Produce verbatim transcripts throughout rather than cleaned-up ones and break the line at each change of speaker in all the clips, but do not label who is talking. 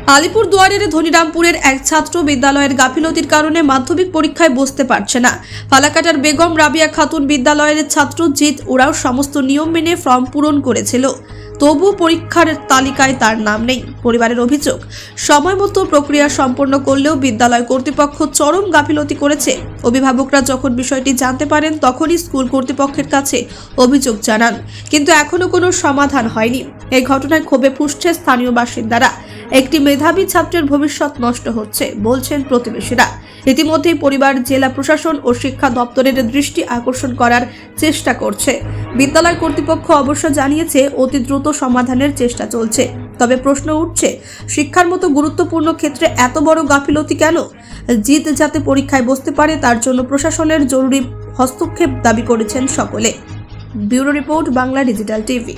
আলিপুরদুয়ারের ধনিরামপুরের এক ছাত্র বিদ্যালয়ের গাফিলতির কারণে মাধ্যমিক পরীক্ষায় বসতে পারছে না। ফালাকাটার বেগম রাবিয়া খাতুন বিদ্যালয়ের ছাত্র জিৎ ওরাও সমস্ত নিয়ম মেনে ফর্ম পূরণ করেছিল, তবু পরীক্ষার তালিকায় তার নাম নেই। পরিবারের অভিযোগ, সময় মতো প্রক্রিয়া সম্পন্ন করলেও বিদ্যালয় কর্তৃপক্ষ চরম গাফিলতি করেছে। অভিভাবকরা যখন বিষয়টি জানতে পারেন তখনই স্কুল কর্তৃপক্ষের কাছে অভিযোগ জানান, কিন্তু এখনো কোনো সমাধান হয়নি। এই ঘটনায় ক্ষোভে ফুঁসছে স্থানীয় বাসিন্দারা। একটি মেধাবী ছাত্রের ভবিষ্যৎ নষ্ট হচ্ছে বলছেন প্রতিবেশীরা। ইতিমধ্যেই পরিবার জেলা প্রশাসন ও শিক্ষা দপ্তরের দৃষ্টি আকর্ষণ করার চেষ্টা করছে। বিদ্যালয় কর্তৃপক্ষ অবশ্য জানিয়েছে অতি দ্রুত সমাধানের চেষ্টা চলছে। তবে প্রশ্ন উঠছে, শিক্ষার মতো গুরুত্বপূর্ণ ক্ষেত্রে এত বড় গাফিলতি কেন? জিত যাতে পরীক্ষায় বসতে পারে তার জন্য প্রশাসনের জরুরি হস্তক্ষেপ দাবি করেছেন সকলে। Bureau report, Bangla digital TV.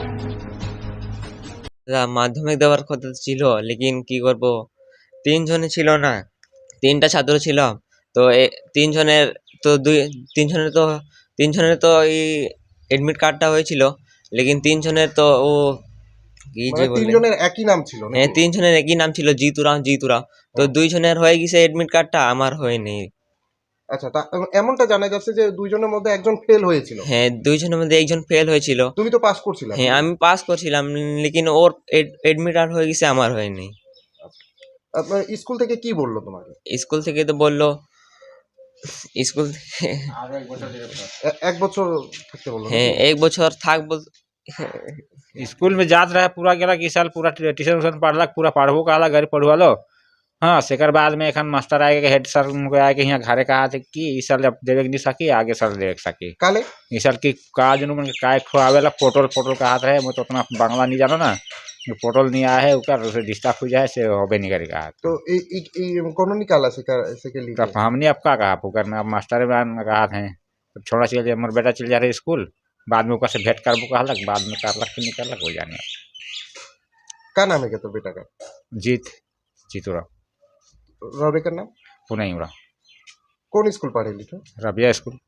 মাধ্যমিক দেওয়ার কথা ছিল, লেকিন কি করব, তিনজনে ছিল না, তিনটা ছাত্র ছিল। তো তিনজনের তো দুই তিনজনের তো তিনজনের তো এই এডমিট কার্ডটা হয়েছিল, লেকিন তিনজনের তো ও কি যে বলে,
তিনজনের একই নাম ছিল।
হ্যাঁ তিনজনের একই নাম ছিল, জিতুরাম জিতুরাম। তো দুইজনের হয়ে গেছে এডমিট কার্ডটা, আমার হয়নি।
আচ্ছা, তা এমনটা জানা যাচ্ছে যে দুইজনের মধ্যে একজন ফেল হয়েছিল।
হ্যাঁ, দুইজনের মধ্যে একজন ফেল হয়েছিল।
তুমি তো পাস করছিলে।
হ্যাঁ, আমি পাস করছিলাম, লেকিন ওর এডমিট কার্ড হয়ে গেছে, আমার হয়নি।
আপনার স্কুল থেকে কি বললো তোমাকে?
স্কুল থেকে তো বললো, স্কুল
এক বছর থাকতে বললো।
হ্যাঁ, एक बছর থাকবো।
स्कूल में जात रहा पूरा गेला कि साल पूरा ट्यूशन उशन पढ़लक, पूरा पढ़बो कहला, घर पढ़वा लो। हाँ, सेकर बाद में एखन मास्टर आए के हेड सर उनको आए के यहाँ घरे कहा थे कि इस साल जब देवे नहीं सकी, आगे साल दे सकी।
काले
इस साल की काज उन्होंने काय खुआवेला, पोटल पोटल कहा है, मैं तो उतना बांग्ला नहीं जाना ना, पोटल नहीं आया है उकर उसे डिस्टर्ब हो जाए से होबे नहीं करेगा।
तो कौन निकाला सेकर सेके लिए?
तब हमने अब क्या कहा पुकर में, अब मास्टर में कहा थे छोड़ा चल जाए, मोर बेटा चल जा रहे स्कूल, बाद में ऊपर से भेंट करबो कहलक, बाद में करलक कि नहीं करलक हो जाने।
क्या नाम है क्या तो बेटा का?
जीत जीतुरा
रौरे का नाम
पुणे उड़ा।
कौन स्कूल पढ़े लिखे?
रबिया स्कूल।